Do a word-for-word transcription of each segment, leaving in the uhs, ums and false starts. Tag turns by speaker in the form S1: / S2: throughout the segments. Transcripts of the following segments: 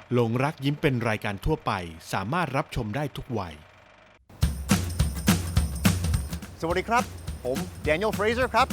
S1: หลงรักยิ้มเป็นรายการทั่วไปสามารถรับชมได้ทุกวัย
S2: สวัสดีครับผม Daniel Fraser ครับ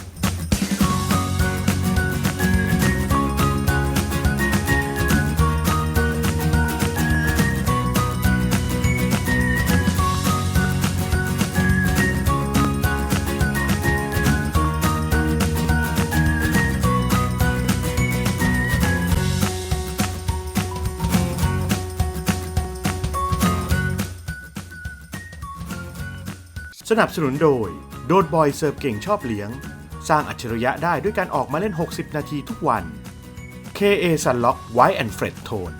S1: สนับสนุนโดยโดดบอยเสิร์ฟเก่งชอบเลี้ยงสร้างอัจฉริยะได้ด้วยการออกมาเล่นหกสิบนาทีทุกวัน เค เอ Sunlock White and Fred Tone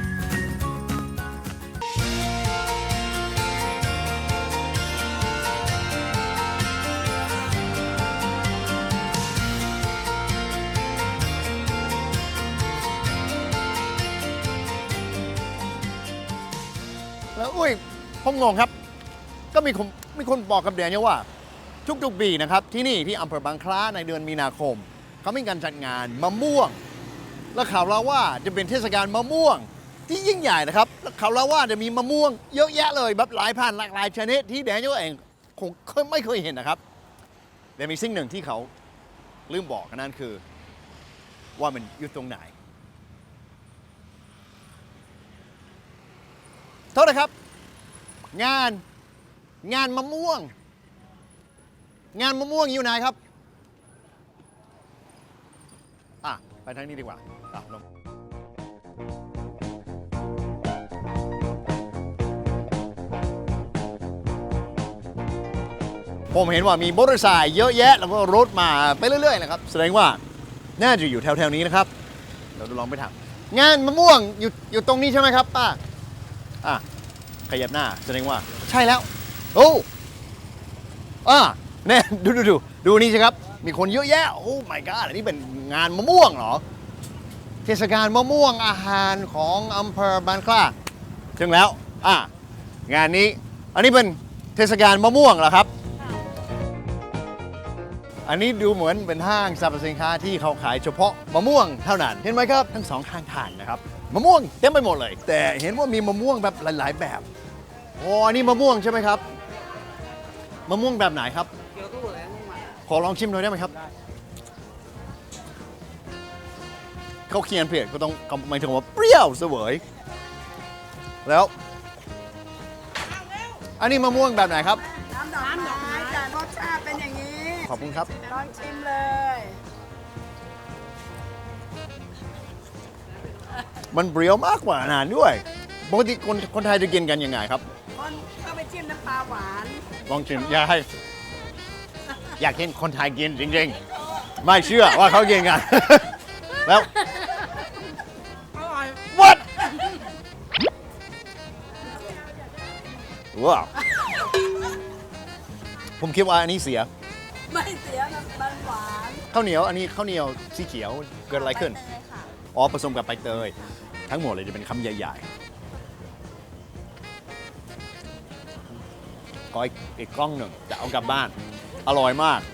S2: แล้วอุ้ยผมงงครับก็มีคนมีคนบอกกับแดเนียลว่าทุกๆปีนะครับที่นี่ที่อำเภอบางคล้าในเดือนมีนาคมเขามีการจัดงานมะม่วงแล้วข่าวเราว่าจะเป็นเทศกาลมะม่วงที่ยิ่งใหญ่นะครับแล้วข่าวเราว่าจะมีมะม่วงเยอะแยะเลยแบบหลายพันหลากหลายชนิดที่แดเนียลเองคงไม่เคยเห็นนะครับแต่มีสิ่งหนึ่งที่เขาลืมบอกนั่นคือว่ามันอยู่ตรงไหนโทษนะครับงานงานมะม่วงงานมะม่วงอยู่ไหนครับอ่ะไปทางนี้ดีกว่าอ่ะลงผมเห็นว่ามีมอเตอร์ไซค์เยอะแยะแล้วก็รถมาไปเรื่อยๆนะครับแสดงว่าน่าจะอยู่แถวๆนี้นะครับเราลองไปถามงานมะม่วงอยู่อยู่ตรงนี้ใช่ไหมครับป้าอ่ะขยับหน้าแสดงว่าใช่แล้วโอ้อ่าเนี่ยดูดูดูดูนี่สิครับมีคนเยอะแยะโอ้ my god อันนี้เป็นงานมะม่วงเหรอเทศกาลมะม่วงอาหารของอำเภอบางคล้าถึงแล้วอ่างานนี้อันนี้เป็นเทศกาลมะม่วงเหรอครับอันนี้ดูเหมือนเป็นห้างสรรพสินค้าที่เขาขายเฉพาะมะม่วงเท่านั้นเห็นไหมครับทั้งสองข้างทางนะครับมะม่วงเต็มไปหมดเลยแต่เห็นว่ามีมะม่วงแบบหลายๆแบบโอ้อันนี้มะม่วงใช่ไหมครับมะม่วงแบบไหนครับเกี๊ยวตู้อะไรมะม่วงขอลองชิมหน่อยได้ไหมครับเขาเขียนเพียก็ต้องหมายถึงว่าเปรี้ยวเสวยแล้วอันนี้มะม่วงแบบไหนครับ
S3: น้ำดอกไม้จ้ะรสชาติเป็นอย่างนี้
S2: ขอบคุณครับ
S3: ลองชิมเลย
S2: มันเปรี้ยวมากกว่าอาหารด้วยปกติคนคนไทยจะกินกันยังไงครับ
S3: คนเข้าไปจิ้มน้ำปลาหวาน
S2: ลองชิมอยากให้อยากเห็นคนไทยกินจริงๆไม่เชื่อว่าเขากินกันแล้ว
S3: อร่อย
S2: what ว้าวผมคิดว่าอันนี้เสีย
S3: ไม่เสียมันหวาน
S2: ข้าวเหนียวอันนี้ข้าวเหนียวสีเขียวเกิดอะไรขึ้นอ๋อผสมกับใบเตยทั้งหมดเลยจะเป็นคำใหญ่ๆขออีกกล้องหนึ่งจะเอากลับบ้านอร่อยมาก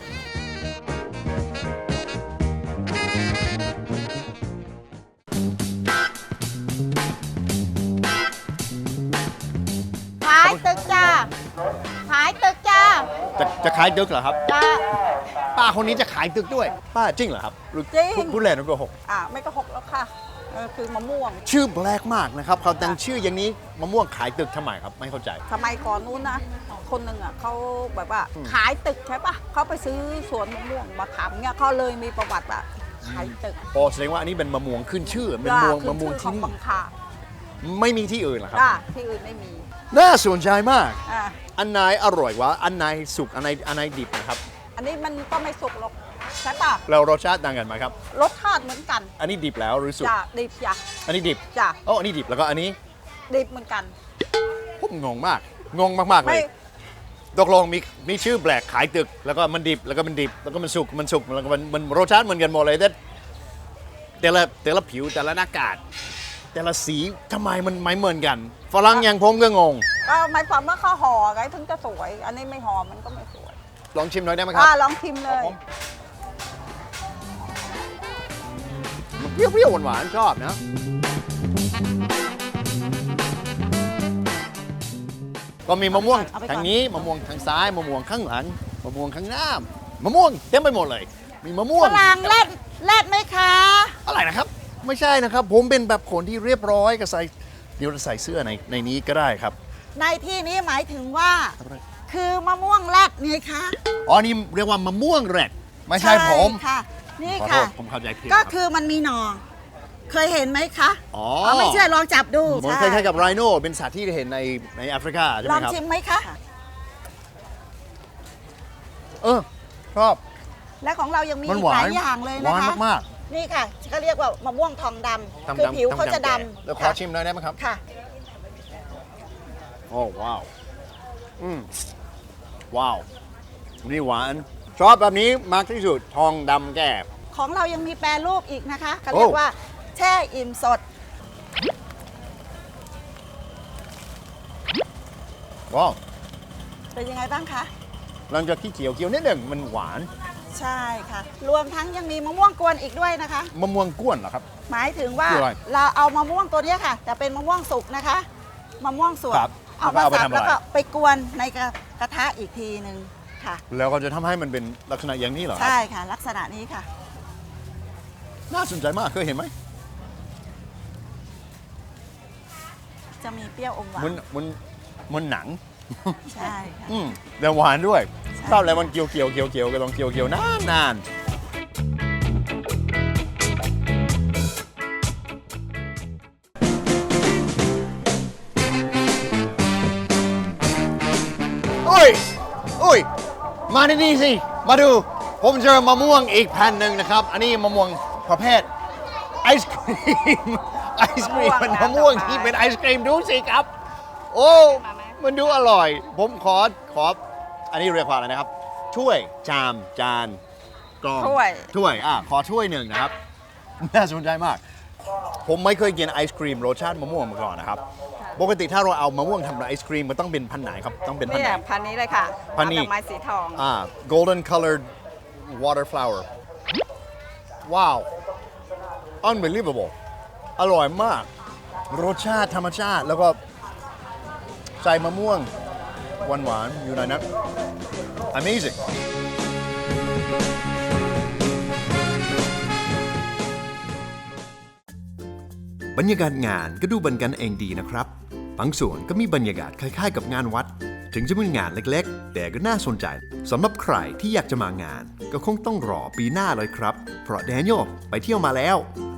S4: ขายตึกจ้าขายตึกจ้า
S2: จะจะขายตึกเหรอครับ
S4: จ้า
S2: ป้าคนนี้จะขายตึกด้วยป้าจริงเหรอครับหรือ
S3: จริง
S2: พูดเล่นหรือโกหก
S3: อ่าไม่ก็หกแล้วค่ะเออคือมะม่วง
S2: ชื่อแปลกมากนะครับเขาตั้งชื่ออย่างนี้มะม่วงขายตึกทำไมครับไม่เข้าใจ
S3: สมัยก่อนนู้นนะคนหนึ่งอ่ะเขาแบบว่าขายตึกใช่ปะเขาไปซื้อสวนมะม่วงมาทำเนี่ยเขาเลยมีประวัติอะขายตึก
S2: อ๋อแสดงว่าอันนี้เป็นมะม่วงขึ้นชื่อเป็นมะม่วงมะม่วงที่นี่ไม่มีที่อื่นเหรอครับ
S3: ที่อื่นไม่มี
S2: น่าสนใจมาก
S3: อ่า
S2: อันไหนอร่อยวะอันไหนสุกอันไหนอันไหนดิบนะครับ
S3: อันนี้มันก็ไม่สุกหรอกใช่ปะ
S2: แล้วรสชาติต่างกันไหมครับ
S3: รสชาติเหมือนกัน
S2: อันนี้ดิบแล้วหรือสุก
S3: จ้ะดิบจ้ะ
S2: อันนี้ดิบ
S3: จ้ะ
S2: โอ้อันนี้ดิบแล้วก็อันนี้
S3: ดิบเหมือนกัน
S2: ผมงงมากงงมากๆเลยตกลงมีมีชื่อแปลกขายตึกแล้วก็มันดิบแล้วก็มันดิบแล้วก็มันสุกมันสุกแล้วก็มันมันรสชาติเหมือนกันหมดเลยแต่แต่ละแต่ละผิวแต่ละหน้ากากแต่ละสีทำไมมันไม่เหมือนกันฝรั่งอย่างผมก็งง
S3: ก็หมายความว่าเขาห่อไงถึงจะสวยอันนี้ไม่ห่อมันก็ไม่สวย
S2: ลองชิมหน่อยได้ไหมครับ
S3: อ่าลองชิมเลย
S2: มันเปรี้ยวๆหวานๆชอบนะก็มีมะม่วง
S3: เอาไปก่อน
S2: ทางนี้มะม่วงทางซ้ายมะม่วงข้างหลังมะม่วงข้างหน้ามะม่วงเต็มไปหมดเลย มีมะม่ว
S3: ฝ
S2: ง
S3: รั่งแรดแรดไหมคะ
S2: อะไรนะครับ ไม่ใช่นะครับ ผมเป็นแบบคนที่เรียบร้อยก็ใส่เดี๋ยวใส่เสื้อในในนี้ก็ได้ครับ
S3: ในที่นี้หมายถึงว่า คือมะม่วงแรดไงคะ
S2: อ๋อนี่เรียกว่ามะม่วงแรดไม่ใช่ผม
S3: ค่ะ นี่
S2: ขอโท
S3: ค่ะ
S2: ษผมเข้าใจผิด
S3: ก็
S2: รับ
S3: คือมันมีหนอเคยเห็นไหมคะ
S2: อ๋อ
S3: เอาไม่เชื่อลองจับดู
S2: เหมือนค
S3: ใช่
S2: ล้ายๆกับไรโน่เป็นสัตว์ที่เห็นในในแอฟริกาใช่ไห
S3: ล
S2: ม
S3: อง
S2: ครับ
S3: ชิมไหมคะ
S2: เออชอบ
S3: และของเรายังมี
S2: มัน
S3: อี
S2: ห
S3: ก
S2: วา
S3: หลาน ยอย่างเลย
S2: ห
S3: นะ
S2: วาน
S3: คะ
S2: มาก
S3: นี่ค่ะเขาเรียกว่ามะม่วงทองด
S2: ๆ
S3: ำคือผิวเขาจะด
S2: เดี๋ยว
S3: ำ
S2: ขอชิมหน่อยได้ไหมครับ
S3: ค่ะ
S2: โอ้ว้าวอืมว้าวนี่หวานชอบแบบนี้มากที่สุดทองดำแก่
S3: ของเรายังมีแปรรูปอีกนะคะเขา
S2: โอ้
S3: เรียกว่าแช่อิ่มสด
S2: ว้าว
S3: เป็นยังไงบ้างคะ
S2: หลังจากที่เขียวเขียวนิดหนึ่งมันหวาน
S3: ใช่ค่ะ รวมทั้งยังมีมะม่วงกวนอีกด้วยนะคะ
S2: มะม่วงก้วนเหรอครับ
S3: หมายถึงว่า
S2: คืออะไร
S3: เราเอามะม่วงตัวเนี้ยค่ะแต่เป็นมะม่วงสุกนะคะมะม่วงสด
S2: ครับ
S3: เอามา
S2: แล้วก็เอาไป
S3: สับ
S2: ทำอะไร
S3: แล้วก็ไปกวนในกระกระทะอีกทีหนึ่งค่ะ
S2: แล้วก็จะทำให้มันเป็นลักษณะอย่างนี้เหรอครับ
S3: ใช่ค่ะ ลักษณะนี้ค่ะ
S2: น่าสนใจมากเคยเห็นไหม
S3: จะมีเปรี้ยวอมหวาน
S2: มันมันมันหนัง
S3: ใช่ค่ะ
S2: อืมแต่หวานด้วย
S3: ใช่
S2: ชอบอะไรมันเกียวเกียวเกียวเกียวก็ลองเกียวเกียวนานนานโอ้ยโอ้ยมาที่นี่สิ มาดู ผมเจอมะม่วงอีกแผ่นหนึ่งนะครับ อันนี้มะม่วงประเภทไอศครีม ไอศครีมเป็นมะม่วงที่เป็นไอศครีมดูสิครับ โอ้ มันดูอร่อย ผมขอ ขอ อันนี้เรียกว่าอะไรนะครับ ถ้วย จาม จาน กลอง
S3: ถ้วย
S2: ถ้วย อ่ะ ขอถ้วยหนึ่งนะครับ น่าสนใจมาก ผมไม่เคยกินไอศครีมรสชาติมะม่วงมาก่อนนะครับ ปกติถ้าเราเอามะม่วงทำไอศครีมมันต้องเป็นพันธุ์ไหนครับ ต้องเป็นพันธุ์
S3: เนี่
S2: ไห
S3: ย
S2: น
S3: พันนี้เลยค่ะ
S2: พันนี้
S3: ดอกไม้สีทอง
S2: อ่า golden colored water flower ว้าว unbelievable อร่อยมาก รสชาติธรรมชาติ แล้วก็ใส่มะม่วงหวานๆอยู่ในนั้น amazing
S5: บรรยากาศงานก็ดูบันกันเองดีนะครับ บางส่วนก็มีบรรยากาศคล้ายๆกับงานวัด ถึงจะเป็นงานเล็กๆ แต่ก็น่าสนใจสำหรับใครที่อยากจะมางาน ก็คงต้องรอปีหน้าเลยครับ เพราะแดเนียลไปเที่ยวมาแล้ว